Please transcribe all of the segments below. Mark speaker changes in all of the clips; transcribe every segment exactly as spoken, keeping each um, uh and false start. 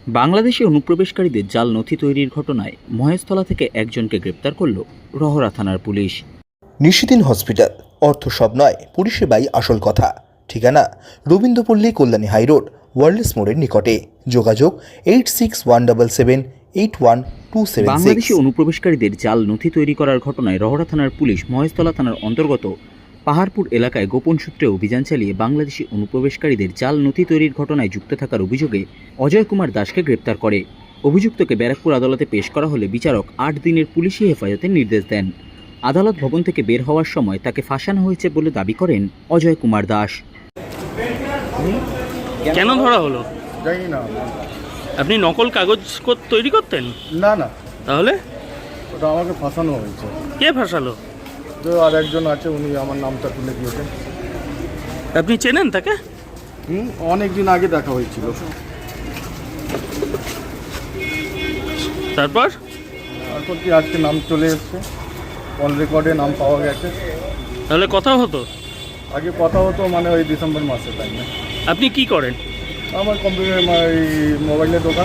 Speaker 1: বাংলাদেশে অনুপ্রবেশকারীদের জাল নথি তৈরির ঘটনায় মহেশতলা থেকে একজনকে গ্রেপ্তার করল রহরা থানার পুলিশ।
Speaker 2: নিশিদিন হসপিটাল, অর্থ সব নয়, পরিষেবাই আসল কথা। ঠিকানা রবীন্দ্রপল্লী, কল্যাণী হাইরোড, ওয়ার্ল্ডস মোড়ের নিকটে। যোগাযোগ eight six one double seven eight one two seven six.
Speaker 1: বাংলাদেশে অনুপ্রবেশকারীদের জাল নথি তৈরি করার ঘটনায় রহরা থানার পুলিশ মহেশতলা থানার অন্তর্গত পাহাড়পুর এলাকায় গোপন সূত্রে অভিযান চালিয়ে বাংলাদেশি অনুপ্রবেশকারীদের জাল নথি তৈরির ঘটনায় যুক্ত থাকার অভিযোগে অজয় কুমার দাসকে গ্রেপ্তার করে। অভিযুক্তকে ব্যারাকপুর আদালতে পেশ করা হলে বিচারক আট দিনের পুলিশি হেফাজতের নির্দেশ দেন। আদালত ভবন থেকে বের হওয়ার সময় তাকে ফাঁসানো হয়েছে বলে দাবি করেন অজয় কুমার দাস।
Speaker 3: কেন ধরা হলো?
Speaker 4: জানি না।
Speaker 3: আপনি নকল কাগজ কো- তৈরি করতেন?
Speaker 4: না না,
Speaker 3: তাহলে
Speaker 4: ওটা আমাকে ফাঁসানো হয়েছে।
Speaker 3: কে ফাঁসালো?
Speaker 4: তো আর একজন আছে, উনি আমার নামটা তুলে দিয়েছেন।
Speaker 3: আপনি চেনেন তাকে?
Speaker 4: হুম, অনেক দিন আগে দেখা হয়েছিল।
Speaker 3: তারপর
Speaker 4: তারপর কি আজকে নাম চলে এসছে, কল রেকর্ডে নাম পাওয়া গেছে।
Speaker 3: তাহলে কথা হতো?
Speaker 4: আগে কথা হতো, মানে ওই ডিসেম্বর মাসে টাইমে।
Speaker 3: আপনি কি করেন?
Speaker 4: আমার কম্পিউটার, এই মোবাইলের দোকান।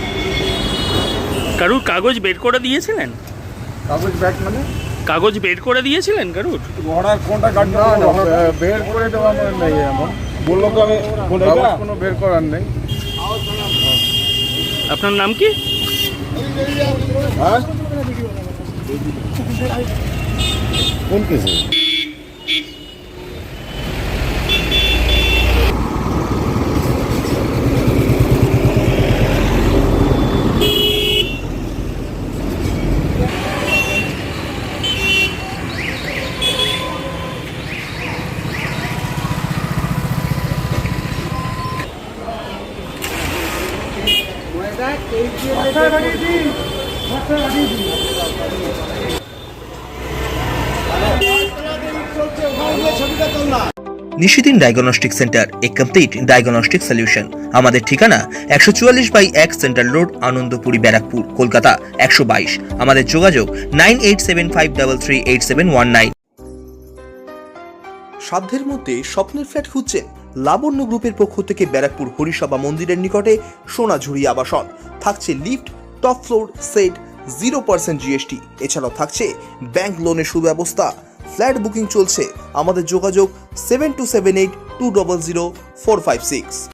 Speaker 3: কারুর কাগজ বের করে দিয়েছিলেন?
Speaker 4: কাগজ ব্যাগ মানে
Speaker 3: কাগজ বের করে দিয়েছিলেন কারুর?
Speaker 4: ঘোড়ার কোনটা কাটবে? না না, বের করে দেওয়া আমার নেই। এমন বললো তো, আমি কাগজ কোনো বের করার নেই।
Speaker 3: আপনার নাম কি?
Speaker 4: হ্যাঁ, কোন কেসে?
Speaker 2: Nishidin diagnostic centre, a complete diagnostic solution. আমাদের ঠিকানা একশো চুয়াল্লিশ বাই এক সেন্ট্রাল রোড, আনন্দপুরি, ব্যারাকপুর, কলকাতা একশো বাইশ। আমাদের যোগাযোগ nine eight seven five double three eight seven one nine. সাধ্যের মধ্যে স্বপ্নের ফ্ল্যাট খুঁজছেন? লাবণ্য গ্রুপের পক্ষ থেকে ব্যারাকপুর হরিসভা মন্দিরের নিকটে সোনাঝুরি আবাসন। থাকছে lift, top floor, set, zero percent GST. এছাড়াও থাকছে ব্যাংক লোনের সুব্যবস্থা। ফ্ল্যাট বুকিং চলছে। আমাদের যোগাযোগ seven two seven eight two double zero four five six.